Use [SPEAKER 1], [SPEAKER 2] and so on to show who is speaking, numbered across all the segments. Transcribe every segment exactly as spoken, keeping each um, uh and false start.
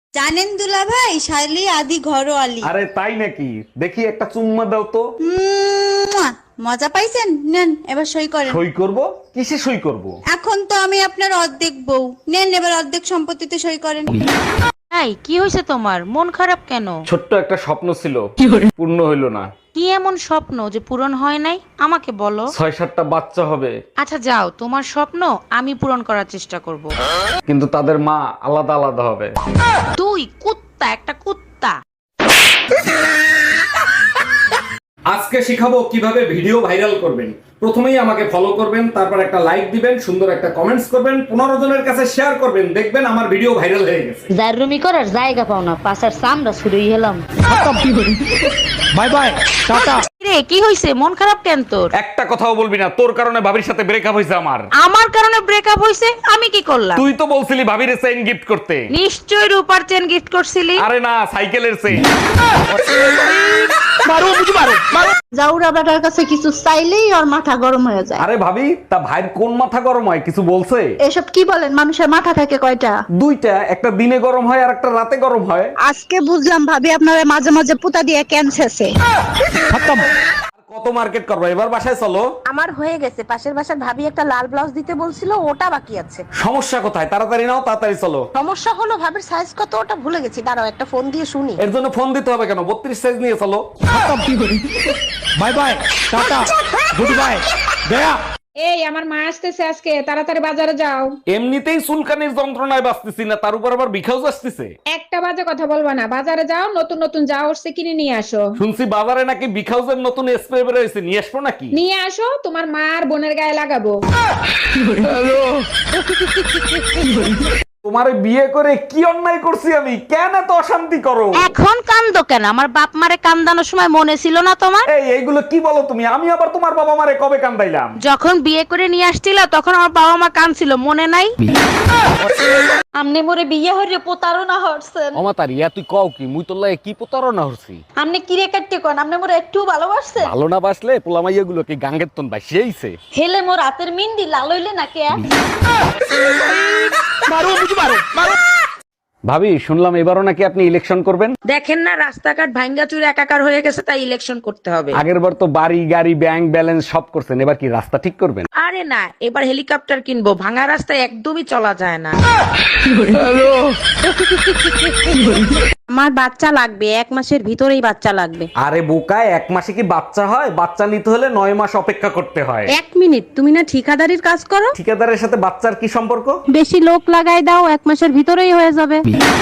[SPEAKER 1] জানেন দুলা ভাই, শালি আদি ঘরোয়ালি।
[SPEAKER 2] আরে তাই নাকি? দেখি একটা চুম্মা দাও তো।
[SPEAKER 1] মুয়া! মজা পাইছেন? নেন এবার সই করেন।
[SPEAKER 2] সই করব? কিসে সই করব?
[SPEAKER 1] এখন তো আমি আপনার অর্ধেক বউ, নেন এবার অর্ধেক সম্পত্তিতে সই করেন।
[SPEAKER 3] এই কি হয়েছে তোমার? মন খারাপ কেন?
[SPEAKER 2] ছোট্ট একটা স্বপ্ন ছিল, পূর্ণ হইল না।
[SPEAKER 3] কি এমন স্বপ্ন যে পূরণ হয় নাই আমাকে বলো।
[SPEAKER 2] ছয় সাতটা বাচ্চা হবে,
[SPEAKER 3] আচ্ছা যাও, তোমার স্বপ্ন আমি পূরণ করার চেষ্টা করব।
[SPEAKER 2] কিন্তু তাদের মা আলাদা আলাদা হবে।
[SPEAKER 3] তুই কুত্তা, একটা কুত্তা।
[SPEAKER 2] আজকে শিখাবো কিভাবে ভিডিও ভাইরাল করবেন। প্রথমেই আমাকে ফলো করবেন, তারপর একটা লাইক দিবেন, সুন্দর একটা কমেন্টস করবেন, পনেরো জনের কাছে শেয়ার করবেন, দেখবেন আমার ভিডিও ভাইরাল হয়ে গেছে।
[SPEAKER 4] জাররুমি করার জায়গা পাও না, পাশার সামরা শুরুই হলাম।
[SPEAKER 2] Bye bye, tata.
[SPEAKER 3] রে কি হয়েছে? মন খারাপ কেন তোর?
[SPEAKER 2] একটা কথাও বলবি না, তোর কারণে ভাবির সাথে ব্রেকআপ হয়েছে আমার।
[SPEAKER 3] আমার কারণে ব্রেকআপ হয়েছে? আমি কি করলাম?
[SPEAKER 2] তুই তো বলছিলি ভাবির চেইন গিফট করতে।
[SPEAKER 3] নিশ্চয় রূপার চেন গিফট করছিলি।
[SPEAKER 2] আরে না, সাইকেলের চেইন।
[SPEAKER 4] জাউরা বেটার কাছে কিছু চাইলেই ওর মাথা গরম হয়ে যায়।
[SPEAKER 2] আরে ভাবি, তা ভাইয়ের কোন মাথা গরম হয় কিছু বলছে?
[SPEAKER 4] এসব কি বলেন? মানুষের মাথা থাকে কয়টা?
[SPEAKER 2] দুইটা, একটা দিনে গরম হয় আর একটা রাতে গরম হয়।
[SPEAKER 4] আজকে বুঝলাম ভাবি আপনারা মাঝে মাঝে পুতা দিয়ে ক্যান্সেছে।
[SPEAKER 2] কত মার্কেট করবো, এবার বাসায় চলো।
[SPEAKER 5] আমার হয়ে গেছে, পাশের বাসার ভাবি একটা লাল ব্লাউজ দিতে বলছিল, ওটা বাকি আছে।
[SPEAKER 2] সমস্যা কোথায়? তাড়াতাড়ি নাও, তাড়াতাড়ি চলো।
[SPEAKER 5] সমস্যা হলো ভাবির সাইজ কত ওটা ভুলে গেছি, দাঁড়াও একটা ফোন দিয়ে শুনি।
[SPEAKER 2] এর জন্য ফোন দিতে হবে কেন? বত্রিশ সাইজ নিয়ে চলো। Bye bye, tata, good bye, গয়া।
[SPEAKER 6] এই আমার মা আসতেছে আজকে, তাড়াতাড়ি বাজারে যাও।
[SPEAKER 2] এমনিতেই চুলকানির যন্ত্রণায় বাঁচতেছি না, তার উপর আবার বিখাউজ আসতেছে।
[SPEAKER 6] একটা বাজে কথা বলবা না, বাজারে যাও, নতুন নতুন যা উঠছে কিনে নিয়ে আসো।
[SPEAKER 2] শুনছি বাজারে নাকি বিখাউজের নতুন স্প্রে বের হয়েছে, নিয়ে আসবো নাকি?
[SPEAKER 6] নিয়ে আসো, তোমার মা আর বোনের গায়ে লাগাবো।
[SPEAKER 2] তোমারে বিয়ে করে কি অন্যায় করছি আমি? কেন এত অশান্তি করো?
[SPEAKER 3] এখন কান্দো কেন? আমার বাপ মারে কান্দানোর সময় মনে ছিল না তোমার?
[SPEAKER 2] এই এইগুলো কি বলো তুমি? আমি আবার তোমার বাবা মারে কবে কান্দাইলাম?
[SPEAKER 3] যখন বিয়ে করে নিয়ে আসছিল তখন আমার বাবা মা কাঁদছিল, মনে নাই? আমনে মোরে বিয়ে হইরে প্রতারণা হরছেন।
[SPEAKER 2] অমাতারি, তুই কও কি? মুই তোর লাগে কি প্রতারণা হচ্ছি?
[SPEAKER 3] আমনে কিরে কাটতে কোন? আমনে মোরে একটু ভালোবাসছেন?
[SPEAKER 2] ভালো না বাসলে পোলামাইয়া গুলো কি গাঙ্গের তন বাসিয়েছে?
[SPEAKER 3] হেলে মোর রাতের মিন্দি লাল হইলে না কে?
[SPEAKER 2] ভাবি, শুনলাম এবারও নাকি আপনি ইলেকশন করবেন।
[SPEAKER 3] দেখেন না রাস্তাঘাট ভাঙ্গা চুরে একাকার হয়ে গেছে, তাই ইলেকশন করতে হবে।
[SPEAKER 2] আগের বার তো বাড়ি গাড়ি ব্যাংক ব্যালেন্স সব করছেন, এবার কি রাস্তা ঠিক করবেন?
[SPEAKER 3] আরে না, এবার হেলিকপ্টার কিনবো, ভাঙা রাস্তায় একদমই চলা যায় না। আমার বাচ্চা লাগবে, এক মাসের ভিতরেই বাচ্চা লাগবে।
[SPEAKER 2] আরে বোকায়, এক মাসে কি বাচ্চা হয়? বাচ্চা নিতে হলে নয় মাস অপেক্ষা করতে হয়।
[SPEAKER 3] এক মিনিট, তুমি না ঠিকাদারির কাজ করো?
[SPEAKER 2] ঠিকাদারের সাথে বাচ্চার কি সম্পর্ক?
[SPEAKER 3] বেশি লোক লাগাই দাও, এক মাসের ভিতরেই হয়ে যাবে।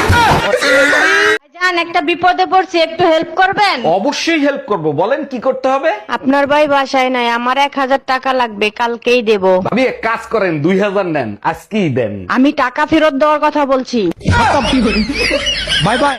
[SPEAKER 3] জান, একটা বিপদে পড়ছি, একটু হেল্প করবেন?
[SPEAKER 2] অবশ্যই হেল্প করব, বলেন কি করতে হবে।
[SPEAKER 3] আপনার ভাই বাসায় নাই, আমার এক হাজার টাকা লাগবে, কালকেই দেব।
[SPEAKER 2] ভাবি এক কাজ করেন, দুই হাজার নেন, আজকেই দেন।
[SPEAKER 3] আমি টাকা ফেরত দেওয়ার কথা বলছি।
[SPEAKER 2] Bye by.